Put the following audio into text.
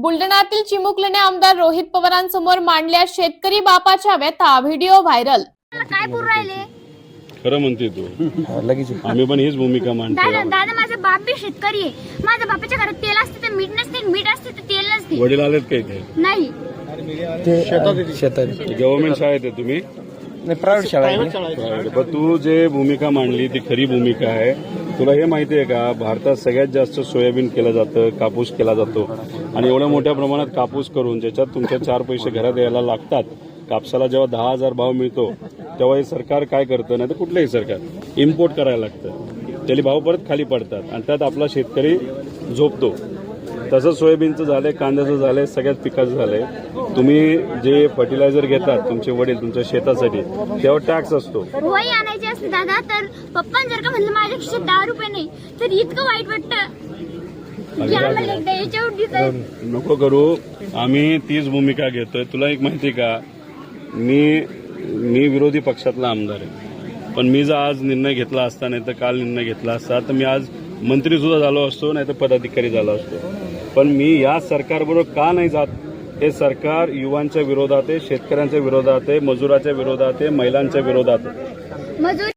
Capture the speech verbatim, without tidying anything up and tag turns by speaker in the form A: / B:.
A: बुलढाण्यातील चिमुकलीने आमदार रोहित पवारांसमोर मांडल्या शेतकरी बापाच्या व्यथा. Video viral.
B: काय बोलू राहिले?
C: खरं म्हणते तू. लगेच आम्ही पण हीच भूमिका मांडतो.
B: दादा दादा माझा बाप बी शेतकरी आहे. माझ्या बापाच्या घरात तेल असते तर मीठ नसते, मीठ असते तर तेल नसते.
C: वडील आलेत काय ते?
B: नाही.
C: शेतात गव्हर्नमेंट शाळेत आहे तुम्ही?
D: प्रायव्हेट शाळा आहे.
C: पण तू जे भूमिका मांडली ती खरी भूमिका आहे. तुला हे माहिती आहे का, भारतात सगळ्यात जास्त सोयाबीन केलं जातं, कापूस केला जातो आणि एवढ्या मोठ्या प्रमाणात कापूस करून ज्याच्यात तुमच्या चार पैसे घरात यायला लागतात. कापसाला जेव्हा दहा हजार भाव मिळतो तेव्हा हे सरकार काय करतं, नाही तर कुठलंही सरकार इम्पोर्ट करायला लागतं. त्याला भाव परत खाली पडतात आणि त्यात आपला शेतकरी झोपतो. तसं सोयाबीनचं झालंय, कांद्याचं झालंय, सगळ्याच पिकाचं झालंय. तुम्ही जे फर्टिलायझर घेतात तुमचे वडील तुमच्या शेतासाठी तेव्हा टॅक्स असतो.
B: वही आणायची असते दादा, तर पप्पा जर का म्हणलं माझ्या खिशात दहा रुपये नाही तर इतकं वाईट वाटतं की आम्हाला एकदा याच्यावर डिसाईड
C: नको करू. आम्ही तीच भूमिका घेतोय. तुला एक माहिती का, मी मी विरोधी पक्षातला आमदार आहे, पण मी जर आज निर्णय घेतला असता, नाही तर काल निर्णय घेतला असता, तर मी आज मंत्री सुद्धा झालो असतो, नाही तर पदाधिकारी झालो असतो. पण मी या सरकारबरोबर का नाही जात? हे सरकार युवांच्या विरोधात आहे, शेतकऱ्यांच्या विरोधात आहे, मजुराच्या विरोधात आहे, महिलांच्या विरोधात आहे.
B: मजूर